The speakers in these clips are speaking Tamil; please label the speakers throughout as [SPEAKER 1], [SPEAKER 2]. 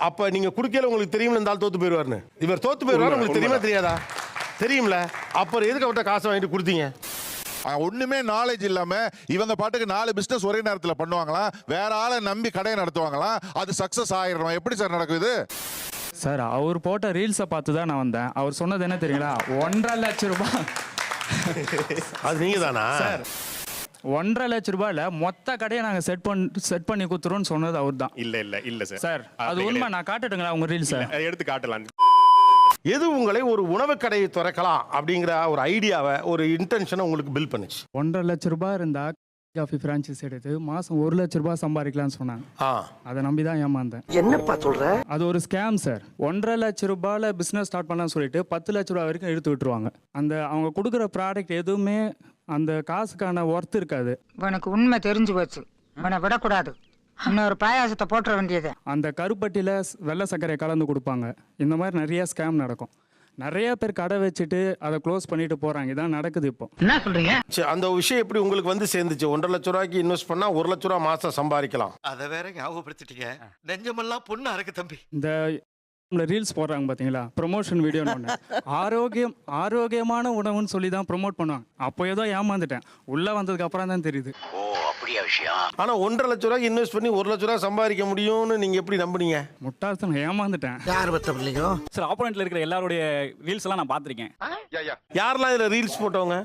[SPEAKER 1] அப்ப நீங்க குடுக்கல உங்களுக்கு தெரியும்ல இந்த ஆள் தோத்து போயிடுவாருன்னு. இவர் தோத்து போயிடுவாரு உங்களுக்கு தெரியுமா தெரியாதா? தெரியும்ல. அப்புறம் எதுக்கு அவர்கிட்ட காசை வாங்கிட்டு கொடுத்தீங்க?
[SPEAKER 2] ஒண்ணுமே நாலேஜ் இல்லாம இவங்க பாட்டுக்கு 4 பிசினஸ் ஒரே நேரத்துல பண்ணுவாங்களா? வேற ஆளை நம்பி கடையை நடத்துவாங்களா? அது சக்சஸ் ஆயிடும். எப்படி சார் நடக்குது?
[SPEAKER 3] சார் அவர் போட்ட ரீல்ஸை பார்த்து தான் நான் வந்தேன். அவர் சொன்னது என்ன தெரியுங்களா? 1.5 லட்சம் ரூபாய்.
[SPEAKER 1] அது நீங்க தானா
[SPEAKER 3] சார் 1.5 லட்சம் ரூபாயில மொத்த கடையை நாங்க செட் பண்ணி கொடுத்துருவோம்னு சொன்னது அவர் தான்.
[SPEAKER 4] இல்ல சார்.
[SPEAKER 3] சார் அது உண்மை. நான் காட்டுட்டுங்களா உங்க ரீல்ஸ்?
[SPEAKER 4] எடுத்து காட்டலாம்.
[SPEAKER 1] எது உங்களை ஒரு உணவு கடையை திறக்கலாம் அப்படிங்கிற ஒரு ஐடியாவை ஒரு இன்டென்ஷனை உங்களுக்கு பில்ட் பண்ணுச்சு?
[SPEAKER 3] 1.5 லட்சம் ரூபாய் இருந்தா காஃபி பிரான்ச்சைஸ் எடுத்து மாசம் 1 லட்சம் ரூபாய் சம்பாதிக்கலாம்னு சொன்னாங்க. அதை நம்பி தான் ஏமாந்தேன்.
[SPEAKER 5] என்னப்பா சொல்ற?
[SPEAKER 3] அது ஒரு ஸ்கேம் சார். 1.5 லட்சம் ரூபாயில பிசினஸ் ஸ்டார்ட் பண்ணலாம்னு சொல்லிட்டு 10 லட்சம் ரூபாய் வரைக்கும் எடுத்து விட்டுருவாங்க. அந்த அவங்க கொடுக்குற ப்ராடக்ட் எதுவுமே அந்த காசுக்கான ஒர்த் இருக்காது.
[SPEAKER 6] உனக்கு உண்மை தெரிஞ்சு போச்சு. உன்னை விடக்கூடாது. இன்னொரு பாயாசத்தை போட்டுற வேண்டியது. அந்த
[SPEAKER 3] கருப்பட்டியில் வெள்ளை சர்க்கரை கலந்து கொடுப்பாங்க. இந்த மாதிரி நிறைய ஸ்கேம் நடக்கும். நிறைய பேர் கடை வச்சுட்டு அதை க்ளோஸ் பண்ணிட்டு போறாங்க. இதான் நடக்குது இப்போ.
[SPEAKER 6] என்ன சொல்றீங்க?
[SPEAKER 1] அந்த விஷயம் எப்படி உங்களுக்கு வந்து சேர்ந்துச்சு? 1.5 லட்சம் ரூபாய்க்கு இன்வெஸ்ட் பண்ணா 1 லட்சம் ரூபாய் மாசம் சம்பாதிக்கலாம்.
[SPEAKER 5] அத வேற ஞாபகப்படுத்திட்டீங்க. நெஞ்சமெல்லாம் பொண்ணா இருக்கு தம்பி.
[SPEAKER 3] இந்த ரீல்ஸ் போடுறாங்க பாத்தீங்களா, ப்ரொமோஷன் வீடியோன்னு ஆரோக்கியமான உணவுன்னு சொல்லி தான் ப்ரொமோட் பண்ணுவாங்க. அப்போ ஏதோ ஏமாந்துட்டேன். உள்ள வந்ததுக்கு அப்புறம் தான் தெரியுது.
[SPEAKER 5] ஓ அப்படியா விஷயம்?
[SPEAKER 1] ஆனா 1.5 லட்சம் ரூபாய்க்கு இன்வெஸ்ட் பண்ணி 1 லட்சம் ரூபாய் சம்பாதிக்க முடியும்னு நீங்க எப்படி நம்புனீங்க?
[SPEAKER 3] முட்டாள்தான், ஏமாந்துட்டேன்.
[SPEAKER 5] யார் பத்த பிள்ளைங்க?
[SPEAKER 7] சார் ஆப்போனன்ட்ல இருக்கிற எல்லாருடைய ரீல்ஸ் எல்லாம் நான் பார்த்திருக்கேன்.
[SPEAKER 1] யாரெல்லாம் இதுல ரீல்ஸ் போட்டவங்க?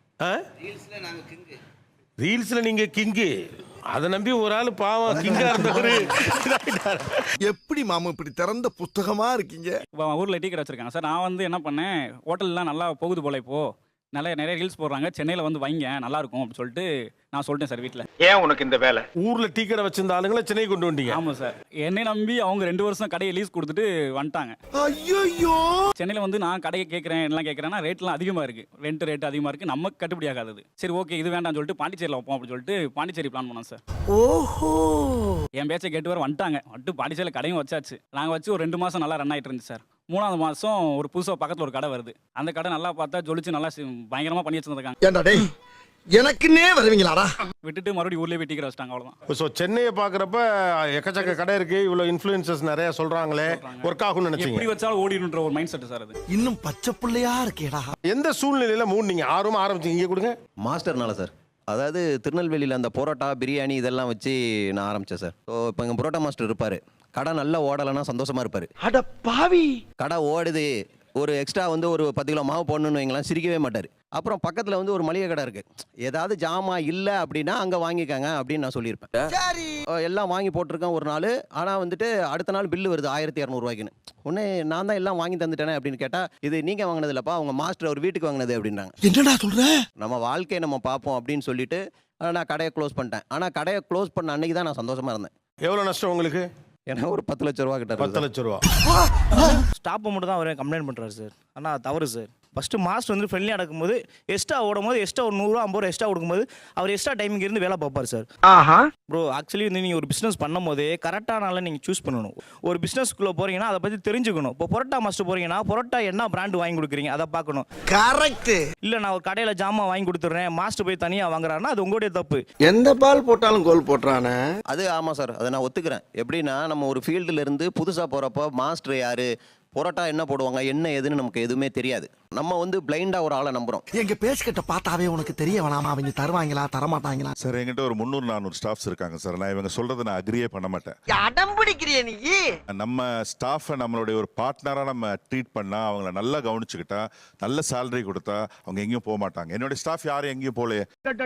[SPEAKER 1] ரீல்ஸ்ல நீங்க கிங்கு. அதை நம்பி ஒரு ஆள் பாவம் கிங்கா இருந்தவரு
[SPEAKER 5] எப்படி மாமா இப்படி திறந்த புத்தகமா இருக்கீங்க?
[SPEAKER 7] ஊர்ல டீ கடை வச்சிருக்காங்க சார். நான் வந்து என்ன பண்ணேன், ஹோட்டல்லாம் நல்லா போகுது போல இப்போ நிறைய ரீல்ஸ் போடுறாங்க, சென்னையில் வந்து வைங்க நல்லா இருக்கும் அப்படின்னு சொல்லிட்டு நான் சொல்லிட்டேன் சார் வீட்டில்.
[SPEAKER 4] ஏன் உனக்கு இந்த வேலை?
[SPEAKER 1] ஊர்ல டீ கடை வச்சிருந்த ஆளுங்களை சென்னை கொண்டு வந்தீங்க?
[SPEAKER 7] ஆமாம் சார். என்னை நம்பி அவங்க 2 வருஷம் கடையை லீஸ் கொடுத்துட்டு வந்துட்டாங்க.
[SPEAKER 5] ஐயோ
[SPEAKER 7] சென்னையில் வந்து நான் கடையை கேட்குறேன் எல்லாம் கேட்குறேன்னா ரேட்லாம் அதிகமாக இருக்குது, ரேட் அதிகமாக இருக்குது, நமக்கு கட்டுப்படி ஆகாது. சரி ஓகே இது வேண்டாம்னு சொல்லிட்டு பாண்டிச்சேரியில் வைப்போம் அப்படின்னு சொல்லிட்டு பாண்டிச்சேரி பிளான் பண்ணோம் சார்.
[SPEAKER 5] ஓஹோ
[SPEAKER 7] என் பேச்சை கேட்டு வர வந்துட்டாங்க. பாண்டிச்சேரியில் கடையும் வச்சாச்சு. நாங்கள் வச்சு ஒரு 2 மாதம் நல்லா ரன் ஆகிட்டு இருந்துச்சு சார். 3ஆவது மாதம் ஒரு புதுசாக பக்கத்தில் ஒரு கடை வருது. அந்த கடை நல்லா பார்த்தா ஜொலிச்சு நல்லா பயங்கரமாக பண்ணி வச்சுருக்காங்க.
[SPEAKER 5] ஏண்டா டேய் எனக்குன்னே வருவீங்களாடா?
[SPEAKER 7] விட்டுட்டு மறுபடியும் ஊர்லேயே போய் டீ கடை வச்சிட்டாங்க. அவ்வளோதான்.
[SPEAKER 1] ஸோ சென்னையை பார்க்குறப்ப எக்கச்சக்க கடை இருக்கு, இவ்வளோ இன்ஃப்ளூயன்சஸ் நிறைய சொல்றாங்களே, ஒர்க் ஆகும்னு நினைச்சீங்க?
[SPEAKER 7] எப்படி வச்சாலும் ஓடிடுன்ற ஒரு மைண்ட் செட் சார் அது.
[SPEAKER 5] இன்னும் பச்சை பிள்ளையா இருக்கேடா.
[SPEAKER 1] எந்த சூழ்நிலையில மூணு நீங்க ஆர்வமா ஆரம்பிச்சீங்க? இங்கே கொடுங்க.
[SPEAKER 8] மாஸ்டர்னால சார். அதாவது திருநெல்வேலியில் அந்த பரோட்டா பிரியாணி இதெல்லாம் வச்சு நான் ஆரம்பித்தேன் சார். ஸோ இப்போ எங்கள் பரோட்டா மாஸ்டர் இருப்பார். கடை நல்லா ஓடலைன்னா சந்தோஷமாக இருப்பார்.
[SPEAKER 5] அட பாவி,
[SPEAKER 8] கடை ஓடுது, ஒரு எக்ஸ்ட்ரா வந்து ஒரு 10 கிலோ மாவு போடணுன்னு வைங்களாம், சிரிக்கவே மாட்டார். அப்புறம் பக்கத்தில் வந்து ஒரு மளிகை கடை இருக்குது, ஏதாவது ஜாமா இல்லை அப்படின்னா அங்கே வாங்கிக்காங்க அப்படின்னு நான் சொல்லியிருப்பேன். எல்லாம் வாங்கி போட்டிருக்கேன் ஒரு நாள். ஆனால் வந்துட்டு அடுத்த நாள் பில்லு வருது 1200 ரூபாய்க்குன்னு. உடனே நான் தான் எல்லாம் வாங்கி தந்துட்டேனே அப்படின்னு கேட்டால், இது நீங்கள் வாங்கினது இல்லைப்பா, அவங்க மாஸ்டர் அவர் வீட்டுக்கு வாங்கினது அப்படின்றாங்க.
[SPEAKER 5] என்னடா சொல்ற?
[SPEAKER 8] நம்ம வாழ்க்கையை நம்ம பார்ப்போம் அப்படின்னு சொல்லிட்டு நான் கடையை க்ளோஸ் பண்ணிட்டேன். ஆனால் கடையை க்ளோஸ் பண்ண அன்னைக்கு தான் நான் சந்தோஷமாக இருந்தேன்.
[SPEAKER 1] எவ்வளோ நஷ்டம் உங்களுக்கு?
[SPEAKER 8] ஏன்னா ஒரு 10 லட்ச ரூபா கிட்ட.
[SPEAKER 1] 10 லட்ச ரூபா
[SPEAKER 9] ஸ்டாப்பை மட்டும் தான் அவர் கம்ப்ளைண்ட் பண்ணுறாரு சார். ஆனால் தவறு சார். ஃபஸ்ட்டு மாஸ்டர் வந்து ஃப்ரெண்ட்லியாக நடக்கும்போது எக்ஸ்ட்ரா ஓடும்போது எக்ஸ்ட்ரா ஒரு 100 ரூபா 50 ரூபா எக்ஸ்ட்ரா கொடுக்கும்போது அவர் எக்ஸ்ட்ரா டைமிங் இருந்து வேலை பார்ப்பார் சார். ப்ரோ ஆக்சுவலி வந்து நீங்கள் ஒரு பிஸ்னஸ் பண்ணும் போதே கரெக்டான நாளில் நீங்கள் சூஸ் பண்ணணும். ஒரு பிஸ்னஸ்க்குள்ளே போகிறீங்கன்னா அதை பற்றி தெரிஞ்சுக்கணும். இப்போ பரோட்டா மாஸ்டர் போகிறீங்கன்னா பரோட்டா என்ன பிராண்டு வாங்கி கொடுக்குறீங்க அதை பார்க்கணும்.
[SPEAKER 5] கரெக்ட்.
[SPEAKER 9] இல்லை நான் ஒரு கடையில் ஜாமான் வாங்கி கொடுத்துட்றேன், மாஸ்டர் போய் தனியாக வாங்குறாருன்னா அது உங்களுடைய தப்பு.
[SPEAKER 5] எந்த பால் போட்டாலும் கோல் போட்டுறானே.
[SPEAKER 8] அது ஆமாம் சார், அதை நான் ஒத்துக்கிறேன். எப்படின்னா நம்ம ஒரு ஃபீல்டுல இருந்து புதுசாக போகிறப்போ மாஸ்டர் யார், பரோட்டா என்ன போடுவாங்க, என்ன ஏதுன்னு நமக்கு எதுவுமே தெரியாது. நம்ம வந்து பிளைண்டா ஒரு ஆளை நம்புறோம்.
[SPEAKER 5] எங்க பேசிக்கிட்ட பார்த்தாவே உனக்கு தெரிய வேணாமா அவங்க தருவாங்களா தரமாட்டாங்களா?
[SPEAKER 2] சார் என்கிட்ட ஒரு 300-400 ஸ்டாஃப்ஸ் இருக்காங்க சார். நான் இவங்க சொல்றதை நான் அக்ரியே பண்ண மாட்டேன்.
[SPEAKER 5] அடம்பிடிக்கிறிய நீ?
[SPEAKER 2] நம்ம ஸ்டாஃபை நம்மளுடைய ஒரு பார்ட்னரா நம்ம ட்ரீட் பண்ணா, அவங்கள நல்லா கவனிச்சுக்கிட்டா, நல்ல சேலரி கொடுத்தா அவங்க எங்கேயும் போக மாட்டாங்க. என்னுடைய ஸ்டாஃப் யாரும் எங்கேயும் போல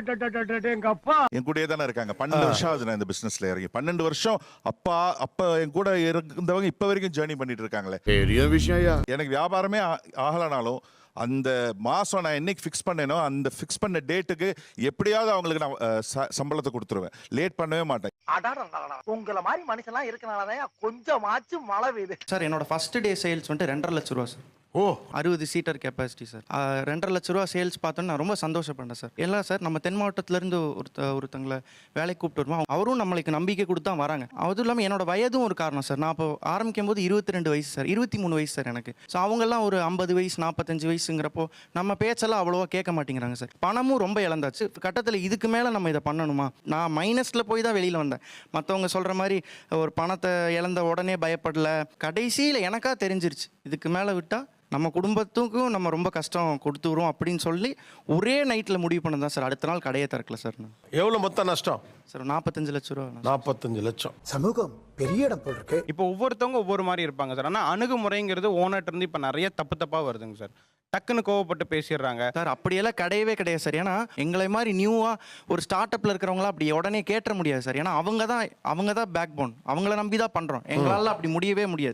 [SPEAKER 2] என் கூடயே தானே இருக்காங்க. 12 வருஷம் ஆகுது நான் இந்த பிசினஸ்ல இறங்கி. 12 வருஷம் அப்ப என் கூட இருந்தவங்க இப்ப வரைக்கும் ஜேர்னி பண்ணிட்டு இருக்காங்களே. எனக்கு வியாபாரமே ஆகலனாலும் அந்த மாசம் நான் என்னைக்கு ஃபிக்ஸ் பண்ணேனோ அந்த ஃபிக்ஸ் பண்ண டேட்டுக்கு எப்படியாவது அவங்களுக்கு நான் சம்பளத்தை கொடுத்துருவேன். லேட் பண்ணவே மாட்டேன்.
[SPEAKER 5] உங்களை மாதிரி மனுஷன்லாம் இருக்கனாலதான் கொஞ்சமாச்சும் மழை பெய்யுது
[SPEAKER 10] சார். என்னோட ஃபர்ஸ்ட் டே சேல்ஸ் வந்துட்டு 2.5 லட்சம் ரூபா சார்.
[SPEAKER 1] ஓ
[SPEAKER 9] 60 சீட்டர் கெப்பாசிட்டி சார். 2.5 லட்ச ரூபா சேல்ஸ் பார்த்தோன்னு நான் ரொம்ப சந்தோஷப்பட்டேன் சார். எல்லாம் சார் நம்ம தென் மாவட்டத்திலேருந்து ஒருத்தங்களை வேலைக்கு கூப்பிட்டு வருவோம். அவரும் நம்மளுக்கு நம்பிக்கை கொடுத்து தான் வராங்க. அதுவும் இல்லாமல் என்னோட வயதும் ஒரு காரணம் சார். நான் இப்போ ஆரம்பிக்கும் போது 22 வயசு சார், 23 வயசு சார் எனக்கு. ஸோ அவங்கெல்லாம் ஒரு 50 வயசு 45 வயசுங்கிறப்போ நம்ம பேச்செல்லாம் அவ்வளோவா கேட்க மாட்டேங்கிறாங்க சார். பணமும் ரொம்ப இழந்தாச்சு. கட்டத்தில் இதுக்கு மேலே நம்ம இதை பண்ணணுமா? நான் மைனஸில் போய் தான் வெளியில் வந்தேன். மற்றவங்க சொல்கிற மாதிரி ஒரு பணத்தை இழந்த உடனே பயப்படல. கடைசியில் எனக்கா தெரிஞ்சிருச்சு இதுக்கு மேலே விட்டால் நம்ம குடும்பத்துக்கும் நம்ம ரொம்ப கஷ்டம் கொடுத்துருவோம் அப்படின்னு சொல்லி ஒரே நைட்டில் முடிவு பண்ணது தான் சார். அடுத்த நாள் கடையை திறக்கல சார். நான்
[SPEAKER 1] எவ்வளோ மொத்த நஷ்டம்?
[SPEAKER 9] சார் 45 லட்ச ரூபா.
[SPEAKER 1] 45 லட்சம்.
[SPEAKER 5] சமூகம் பெரிய இடம் போல் இருக்கு.
[SPEAKER 10] இப்போ ஒவ்வொருத்தவங்க ஒவ்வொரு மாதிரி இருப்பாங்க சார். ஆனால் அணுகுமுறைங்கிறது ஓனர்ட்ட இருந்து இப்போ நிறைய தப்பாக வருதுங்க சார். டக்குன்னு கோவப்பட்டு பேசிடுறாங்க
[SPEAKER 9] சார். அப்படியெல்லாம் கிடையவே கிடையாது சார். ஏன்னா எங்களை மாதிரி நியூவாக ஒரு ஸ்டார்ட் அப்பில் இருக்கிறவங்களாம் அப்படி உடனே கேட்ட முடியாது சார். ஏன்னா அவங்க தான் பேக் போன். அவங்கள நம்பி தான் பண்ணுறோம். எங்களால் அப்படி முடியவே முடியாது.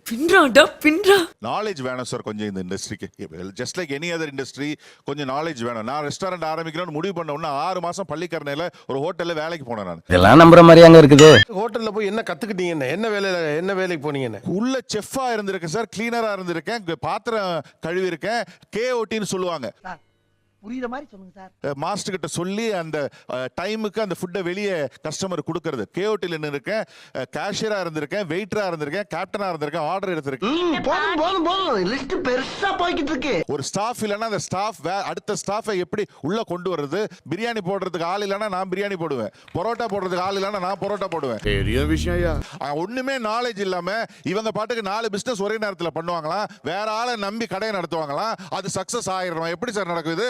[SPEAKER 2] நாலேஜ் வேணும் சார் கொஞ்சம் இந்த இண்டஸ்ட்ரிக்கு. Just like any other industry கொஞ்சம் நாலேஜ் வேணும். நான் ரெஸ்டாரண்ட் ஆரம்பிக்கணும்னு முடிவு பண்ண உடனே 6 மாசம் பள்ளிக்கரணையில் ஒரு ஹோட்டலில் வேலைக்கு போனேன். நான்
[SPEAKER 8] இதெல்லாம் நம்புற மாதிரி அங்கே இருக்குது.
[SPEAKER 1] ஹோட்டலில் போய் என்ன கற்றுக்கிட்டீங்க? என்ன வேலைக்கு போனீங்கன்னு?
[SPEAKER 2] உள்ள செஃப்பா இருந்திருக்கேன் சார், கிளீனரா இருந்திருக்கேன், பாத்திரம் கழுவி இருக்கேன். KOTன்னு சொல்லுவாங்க.
[SPEAKER 5] புரியுற மாதிரி சொல்லுங்க சார்.
[SPEAKER 2] மாஸ்டர் கிட்ட சொல்லி அந்த டைமுக்கு அந்த ஃபுட்டை வெளியே கஸ்டமர் கொடுக்கறது. KOTல நின்று இருக்கேன், கேஷியரா இருந்திருக்கேன், வெயிட்டரா இருந்திருக்கேன், கேப்டனா இருந்திருக்கேன், ஆர்டர் எடுத்திருக்கேன்.
[SPEAKER 5] போதும் லிஸ்ட் பெருசா போய்கிட்டு இருக்கு.
[SPEAKER 2] ஒரு ஸ்டாஃப் இல்லைன்னா அந்த ஸ்டாஃப் அடுத்த ஸ்டாஃபை எப்படி உள்ள கொண்டு வர்றது? பிரியாணி போடுறதுக்கு ஆள் இல்லைன்னா நான் பிரியாணி போடுவேன், பரோட்டா போடுறதுக்கு ஆள் இல்லைன்னா நான் பரோட்டா போடுவேன்.
[SPEAKER 5] பெரிய விஷயம்.
[SPEAKER 2] ஒண்ணுமே நாலேஜ் இல்லாம இவங்க பாட்டுக்கு 4 பிசினஸ் ஒரே நேரத்தில் பண்ணுவாங்களா? வேற ஆளை நம்பி கடையை நடத்துவாங்களா? அது சக்சஸ் ஆயிடும். எப்படி சார் நடக்குது?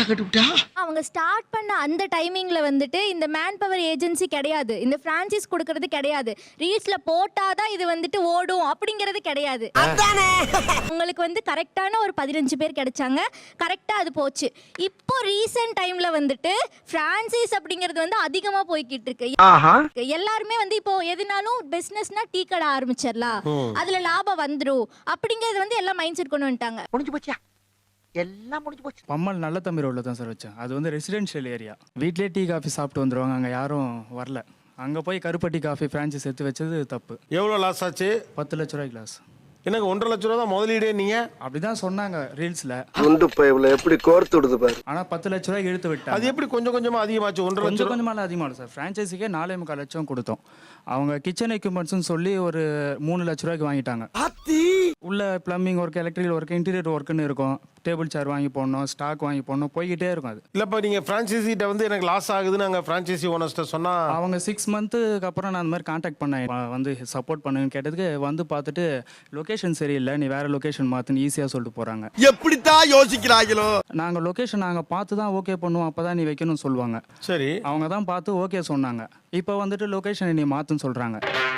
[SPEAKER 11] அவங்க ஸ்டார்ட் பண்ண அந்த டைமிங்ல வந்துட்டு இந்த மேன் பவர் ஏஜென்சி கிடையாது, இந்த பிரான்சைஸ் கொடுக்கறது கிடையாது, ரீல்ஸ்ல போட்டாதான் இது வந்துட்டு ஓடும் அப்படிங்கிறது கிடையாது. உங்களுக்கு வந்து கரெக்டான ஒரு 15 பேர் கிடைச்சாங்க, கரெக்டா அது போச்சு. இப்போ ரீசன்ட் டைம்ல வந்துட்டு பிரான்சைஸ் அப்படிங்கிறது வந்து அதிகமா போய்கிட்டு இருக்கு. எல்லாருமே வந்து இப்போ எதுனாலும் பிசினஸ்னா டீ கடை ஆரம்பிச்சிடலாம், அதுல லாபம் வந்துடும் அப்படிங்கிறது வந்து எல்லாம் மைண்ட் செட் கொண்டு வந்துட்டாங்க.
[SPEAKER 6] முடிஞ்சு போச்சியா? எல்லாம் முடிஞ்சு போச்சு.
[SPEAKER 3] பம்மல் நல்ல தம்பி ரோட்டில் தான் சார் வச்சேன். அது வந்து ரெசிடென்ஷியல் ஏரியா. வீட்லேயே டீ காஃபி சாப்பிட்டு வந்துடுவாங்க. அங்கே யாரும் வரல. அங்கே போய் கருப்பட்டி காஃபி ஃப்ரான்ச்சைஸ் எடுத்து வச்சது தப்பு.
[SPEAKER 1] எவ்வளோ லாஸ் ஆச்சு?
[SPEAKER 3] 10 லட்ச ரூபாய் கிளாஸ்.
[SPEAKER 1] எனக்கு 1.5 லட்ச ரூபா தான் முதலீடே. நீங்க
[SPEAKER 3] அப்படிதான் சொன்னாங்க ரீல்ஸ்ல.
[SPEAKER 5] குண்டு பைப்ல எப்படி கோர்த்து விடுது பாரு.
[SPEAKER 3] ஆனா 10 லட்ச ரூபாய்க்கு இழுத்து விட்டாங்க.
[SPEAKER 1] அது எப்படி கொஞ்சம் கொஞ்சமா அதிகமாச்சு? 1.5 லட்சம்
[SPEAKER 3] கொஞ்சம் கொஞ்சமாக அதிகமாக சார். ஃப்ரான்ச்சைஸிக்கே 4.25 லட்சம் கொடுத்தோம். அவங்க கிச்சன் எக்யூப்மெண்ட்ஸ்னு சொல்லி ஒரு 3 லட்ச ரூபாய்க்கு வாங்கிட்டாங்க. உள்ள plumbing work, electrical work, interior ஒர்க்குன்னு இருக்கும். டேபிள் சேர் வாங்கி போடணும், ஸ்டாக் வாங்கி போடணும், போய்கிட்டே இருக்கும். அது
[SPEAKER 1] இல்லப்பா, நீங்க ஃப்ரான்ச்சைசிட்ட வந்து எனக்கு லாஸ் ஆகுதுன்னு அங்கே ஃப்ரான்ச்சைசி ஓனர்ஸ்ட்ட சொன்னா
[SPEAKER 3] அவங்க 6 மந்த்துக்கு அப்புறம் நான் அந்த மாதிரி கான்டாக்ட் பண்ணேன். வந்து சப்போர்ட் பண்ணுன்னு கேட்டதுக்கு வந்து பார்த்துட்டு லொக்கேஷன் சரியில்லை, நீ வேற லொக்கேஷன் மாற்றுன்னு ஈஸியாக சொல்லிட்டு போகிறாங்க.
[SPEAKER 5] எப்படித்தான் யோசிக்கிறாங்களோ.
[SPEAKER 3] நாங்கள் லொக்கேஷன் நாங்கள் பார்த்து தான் ஓகே பண்ணுவோம், அப்போ தான் நீ வைக்கணும்னு சொல்லுவாங்க.
[SPEAKER 1] சரி,
[SPEAKER 3] அவங்க தான் பார்த்து ஓகே சொன்னாங்க. இப்போ வந்துட்டு லொக்கேஷனை நீ மாற்றுன்னு சொல்கிறாங்க.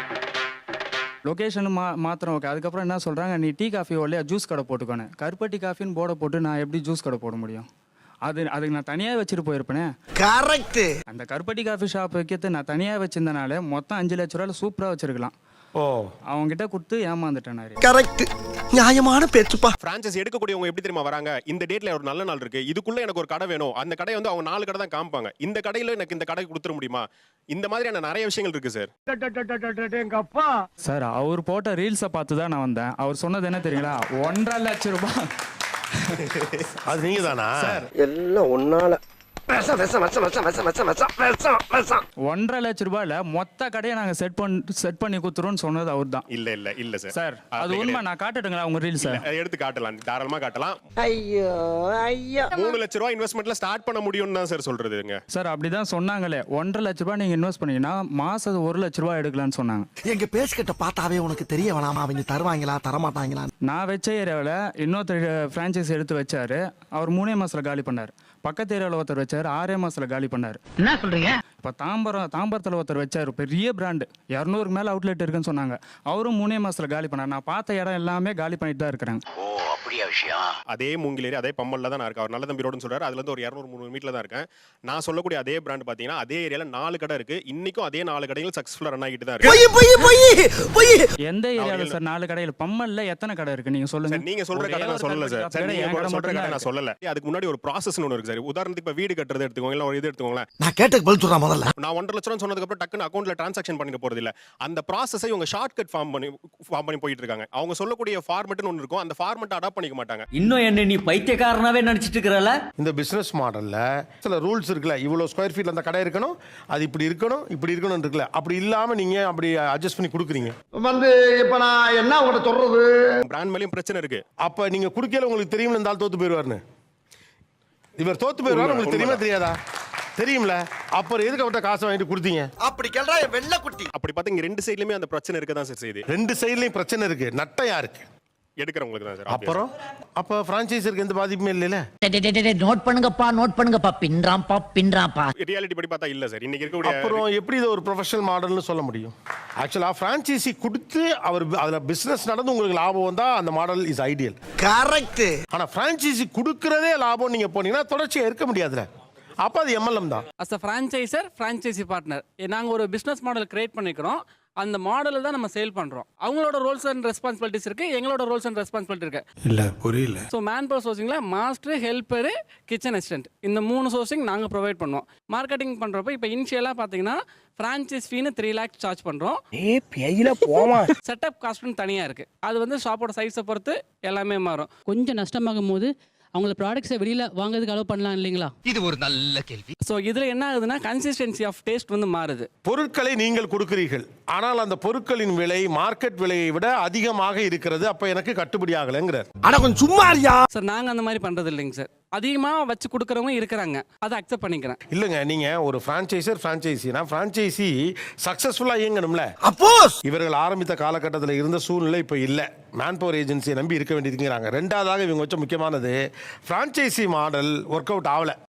[SPEAKER 3] லொக்கேஷன் மாத்திரம் ஓகே. அதுக்கப்புறம் என்ன சொல்கிறாங்க, நீ டீ காஃபி இல்லையா ஜூஸ் கடை போட்டுக்கோனே. கருப்பட்டி காஃபின்னு போர்டை போட்டு நான் எப்படி ஜூஸ் கடை போட முடியும்? அதுக்கு நான் தனியாக வச்சுட்டு போயிருப்பேனே.
[SPEAKER 5] கரெக்ட்.
[SPEAKER 3] அந்த கருப்பட்டி காஃபி ஷாப் வைக்கிறது நான் தனியாக வச்சிருந்தனால மொத்தம் 5 லட்ச ரூபாயில் சூப்பராக வச்சிருக்கலாம்.
[SPEAKER 1] ஓ,
[SPEAKER 3] அவங்க கிட்ட கொடுத்து ஏமாந்துட்டேன்.
[SPEAKER 5] கரெக்ட், நியாயமான பேச்சுப்பா.
[SPEAKER 4] பிரான்சைஸ் எடுக்கக்கூடியவங்க எப்படி தெரியுமா வராங்க? இந்த டேட்ல ஒரு நல்ல நாள் இருக்கு, இதுக்குள்ள எனக்கு ஒரு கடை வேணும். அந்த கடை வந்து அவங்க 4 கடை தான் காமிப்பாங்க. இந்த கடையில எனக்கு இந்த கடை கொடுத்துட முடியுமா? இந்த மாதிரியான நிறைய விஷயங்கள் இருக்கு சார்.
[SPEAKER 3] சார் அவர் போட்ட ரீல்ஸை பார்த்து தான் நான் வந்தேன். அவர் சொன்னது என்ன தெரியுங்களா, 1.5 லட்சம் ரூபாய்.
[SPEAKER 1] அது நீங்க தானா?
[SPEAKER 5] எல்லாம் ஒன்னால
[SPEAKER 3] 1.5 லட்சம் ரூபாயில மொத்த கடையை நாங்க செட் பண்ணி கொடுத்துருவோம்னு சொன்னது அவர் தான்.
[SPEAKER 4] இல்ல சார்.
[SPEAKER 3] சார் அது உண்மை. நான் காட்டட்டுங்களா உங்க ரீல்ஸ்?
[SPEAKER 4] எடுத்து காட்டலாம், தாராளமா காட்டலாம்.
[SPEAKER 5] ஐயோ ஐயோ,
[SPEAKER 4] 3 லட்ச ரூபாய் இன்வெஸ்ட்மெண்ட்ல ஸ்டார்ட் பண்ண முடியும்னு தான் சார் சொல்றதுங்க.
[SPEAKER 3] சார் அப்படிதான் சொன்னாங்களே. 1.5 லட்ச ரூபாய் நீங்க இன்வெஸ்ட் பண்ணீங்கன்னா மாசம் 1 லட்ச ரூபாய் எடுக்கலாம்னு சொன்னாங்க.
[SPEAKER 5] எங்க பேஸ்கிட்ட பார்த்தாவே உனக்கு தெரிய வேணாமா அவங்க தருவாங்களா தரமாட்டாங்களா?
[SPEAKER 3] நான் வச்ச ஏரியாவில் இன்னொருத்தர் ஃப்ரான்ச்சைஸ் எடுத்து வச்சாரு. அவர் 3 மாசத்துல காலி பண்ணார். பக்கத்து ஏரியாவில் ஒருத்தர் வச்சாரு, 6 மாசத்துல காலி பண்ணார்.
[SPEAKER 6] என்ன சொல்றீங்க?
[SPEAKER 3] இப்போ தாம்பரத்தில் ஒருத்தர் வச்சார், பெரிய பிராண்டு, 200க்கு மேலே அவுட்லெட் இருக்குன்னு சொன்னாங்க. அவரும் 3 மாசத்துல காலி பண்ணார். நான் பார்த்த இடம் எல்லாமே காலி பண்ணிட்டு தான் இருக்கிறாங்க.
[SPEAKER 4] அதே மூங்கிலேரி அதே பம்மல்ல தான் நான் இருக்கேன். அவர் நல்ல தம்பி ரோடுன்னு சொல்றாரு. அதுல இருந்து ஒரு 200-300 மீட்டர்ல தான் இருக்கேன். நான் சொல்லக்கூடிய அதே பிராண்ட் பாத்தீங்கன்னா அதே ஏரியால 4 கடை இருக்கு. இன்னைக்கும் அதே 4 கடைகள் சக்சஸ்ஃபுல்லா ரன் ஆகிட்டு தான் இருக்கு.
[SPEAKER 3] எந்த ஏரியாவில் சார் 4 கடைகள்? பம்மல்ல எத்தனை கடை கடை இருக்கு நீங்க சொல்லுங்க.
[SPEAKER 4] சார் நீங்க சொல்ற
[SPEAKER 3] ஒரே
[SPEAKER 4] கடை நான்
[SPEAKER 3] ஒரு
[SPEAKER 4] சொல்லல சார்.
[SPEAKER 3] கருப்பட்டி
[SPEAKER 4] சார்
[SPEAKER 3] கடை
[SPEAKER 4] நீங்க
[SPEAKER 3] என் கடை
[SPEAKER 4] சொல்ற
[SPEAKER 3] மட்டும்
[SPEAKER 4] கடை
[SPEAKER 3] தான்
[SPEAKER 4] நான்
[SPEAKER 3] இருக்கு.
[SPEAKER 4] சொல்லல. அதுக்கு முன்னாடி ஒரு ப்ராசஸ் ஒன்று இருக்கு சார். உதாரணத்துக்கு இப்ப வீடு கட்டுறது எடுத்துக்கோங்க, இல்ல ஒரு இது எடுத்துக்கோங்களேன்.
[SPEAKER 5] நான் கேட்டதுக்கு பதில் சொல்றா முதல்ல.
[SPEAKER 4] நான் 1.5 லட்சம் சொன்னதுக்கு அப்புறம் டக்குன்னு அக்கௌண்ட்ல டிரான்சாக்ஷன் பண்ணிட போறது இல்ல. அந்த ப்ராசஸை இவங்க ஷார்ட் கட் ஃபார்ம் பண்ணி போயிட்டு இருக்காங்க. அவங்க சொல்லக்கூடிய ஃபார்மட்னு ஒன்று இருக்கும், அந்த ஃபார்மட் அடாப்ட் பண்ணிக்க மாட்டாங்க.
[SPEAKER 12] இன்னும் என்ன நீ பைத்தியக்காரனாவே நினைச்சிட்டு இருக்கறல?
[SPEAKER 1] இந்த பிசினஸ் மாடல்ல சில ரூல்ஸ் இருக்குல்ல, இவ்வளவு ஸ்கொயர் ஃபீட்ல அந்த கடை இருக்கணும், அது இப்படி இருக்கணும், இப்படி இருக்கணும் இருக்குல்ல, அப்படி இல்லாம நீங்க அப்படி அட்ஜஸ்ட் பண்ணி கொடுக்குறீங்க.
[SPEAKER 5] இப்ப நான் என்ன உங்கள்ட்ட சொல்றது?
[SPEAKER 4] பிராண்ட் மேலயும் பிரச்சனை இருக்கு.
[SPEAKER 1] அப்ப நீங்க குடுக்கல உங்களுக்கு தெரியும்ல இந்த ஆள் தோத்து போயிடுவாருன்னு. இவர் தோத்து போயிடுவாரு உங்களுக்கு தெரியுமா தெரியாதா? தெரியும்ல, அப்புறம் எதுக்கு அவர்கிட்ட காசை வாங்கிட்டு கொடுத்தீங்க?
[SPEAKER 5] அப்படி கேள்றா வெள்ள குட்டி.
[SPEAKER 4] அப்படி பார்த்தா இங்க ரெண்டு சைடுலயுமே அந்த பிரச்சனை இருக்க தான் சார் செய்யுது.
[SPEAKER 1] ரெண்டு சைடுலயும் பிரச்சனை இருக்கு. நட்டம் யாருக்கு?
[SPEAKER 4] எடுக்கிறவங்களுக்கு தான் சார்.
[SPEAKER 1] அப்புறம் அப்ப பிரான்சைஸருக்கு எந்த பாதிப்புமே இல்லைல்ல.
[SPEAKER 12] நோட் பண்ணுங்கப்பா பின்றாம்பா.
[SPEAKER 4] ரியாலிட்டி படி பார்த்தா இல்ல சார். இன்னைக்கு இருக்கக்கூடிய
[SPEAKER 1] அப்புறம் எப்படி இது ஒரு ப்ரொஃபஷனல் மாடல்னு சொல்ல முடியும்? ஆக்சுவலா பிரான்சைசி கொடுத்து அவர் அதுல பிசினஸ் நடந்து உங்களுக்கு லாபம் வந்தா அந்த மாடல் இஸ் ஐடியல்.
[SPEAKER 5] கரெக்ட்.
[SPEAKER 1] ஆனா பிரான்சைசி கொடுக்கறதே லாபம் நீங்க போனீங்கன்னா தொடர்ச்சியா இருக்க முடியாதுல. அப்ப அது எம்எல்எம் தான்.
[SPEAKER 3] As a franchiser franchisee partner நாங்கள் ஒரு பிஸ்னஸ் மாடல் கிரியேட் பண்ணிக்கிறோம். அந்த மாடலில் தான் நம்ம சேல் பண்ணுறோம். அவங்களோட ரோல்ஸ் அண்ட் ரெஸ்பான்சிபிலிட்டிஸ் இருக்கு, எங்களோட ரோல்ஸ் அண்ட் ரெஸ்பான்சிபிலிட்டி இருக்கு.
[SPEAKER 5] இல்ல புரியல.
[SPEAKER 3] ஸோ மேன் பவர் சோர்சிங்கில் மாஸ்டர், ஹெல்ப்பரு, கிச்சன் அசிஸ்டன்ட் இந்த 3 சோர்சிங் நாங்கள் ப்ரொவைட் பண்ணுவோம். மார்க்கெட்டிங் பண்ணுறப்ப இப்போ இனிஷியலாக பார்த்தீங்கன்னா ஃப்ரான்ச்சைஸ் ஃபீனு 3 lakhs சார்ஜ் பண்ணுறோம். செட்டப் காஸ்ட்னு தனியாக இருக்குது. அது வந்து ஷாப்போட சைஸை பொறுத்து எல்லாமே மாறும்.
[SPEAKER 12] கொஞ்சம் நஷ்டமாகும் போது அவங்கள ப்ராடக்ட்ஸை வெளியில வாங்குறதுக்கு அலோவ் பண்ணலாம் இல்லைங்களா?
[SPEAKER 5] இது ஒரு நல்ல கேள்வி.
[SPEAKER 3] ஸோ இதில் என்ன ஆகுதுன்னா கன்சிஸ்டன்சி ஆஃப் டேஸ்ட் வந்து மாறுது.
[SPEAKER 1] பொருட்களை நீங்கள் கொடுக்கிறீர்கள், ஆனால் அந்த பொருட்களின் விலை மார்க்கெட் விலையை விட அதிகமாக இருக்கிறது. அப்ப எனக்கு கட்டுப்படி ஆகலைங்கிறார்.
[SPEAKER 5] ஆனா கொஞ்சம் சும்மா இருயா.
[SPEAKER 3] சார் நாங்கள் அந்த மாதிரி பண்ணுறது இல்லைங்க சார். அதிகமாக வச்சு கொடுக்குறவங்க இருக்கிறாங்க, அதை அக்செப்ட் பண்ணிக்கிறேன்.
[SPEAKER 1] இல்லைங்க, நீங்க ஒரு பிரான்ச்சைசினா பிரான்ச்சைசி சக்சஸ்ஃபுல்லா இயங்கணும்ல.
[SPEAKER 5] அப்போஸ்
[SPEAKER 1] இவர்கள் ஆரம்பித்த காலகட்டத்தில் இருந்த சூழ்நிலை இப்போ இல்லை. மேன் பவர் ஏஜென்சியை நம்பி இருக்க வேண்டியதுங்கிறாங்க. ரெண்டாவதாக இவங்க வச்ச முக்கியமானது பிரான்ச்சைசி மாடல் ஒர்க் அவுட் ஆகல.